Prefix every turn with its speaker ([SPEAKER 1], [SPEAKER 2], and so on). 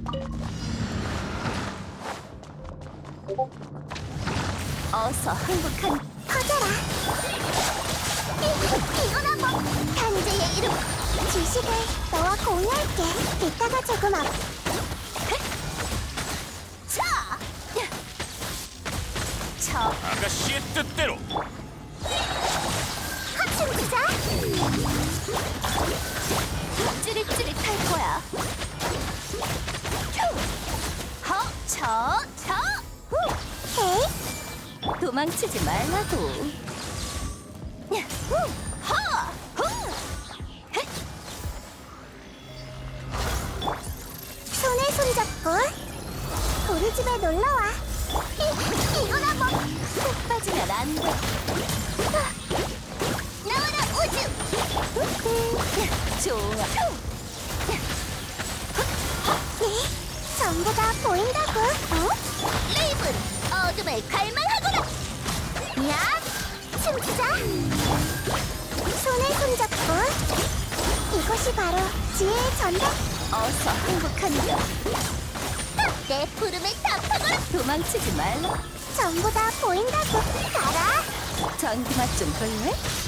[SPEAKER 1] 어서 행복한
[SPEAKER 2] 커져라. 이건 한번 단지의 이름. 지식을 너와 공유할게. 이따가 조금 앞.
[SPEAKER 1] 자! 저
[SPEAKER 3] 아가씨의 뜻대로.
[SPEAKER 2] 합춤 주자.
[SPEAKER 1] 찌릿찌릿할 거야. 허! 저! 후!
[SPEAKER 2] 헤이.
[SPEAKER 1] 도망치지 말라고. 후! 허! 후! 헷!
[SPEAKER 2] 손에 손잡고 우리 집에 놀러와. 이건 한번
[SPEAKER 1] 푹 빠지면 안 돼.
[SPEAKER 2] 나와라 우주.
[SPEAKER 1] 좋아.
[SPEAKER 2] 전부 다 보인다고.
[SPEAKER 1] 레이븐, 어둠을 갈망하거라.
[SPEAKER 2] 야, 춤추자. 손에 손잡고 이곳이 바로 지혜의 전당.
[SPEAKER 1] 어서 행복한 여.
[SPEAKER 2] 내 부름에 답하거라.
[SPEAKER 1] 도망치지 말라.
[SPEAKER 2] 전부 다 보인다고. 가라.
[SPEAKER 1] 전기맛 좀 볼래?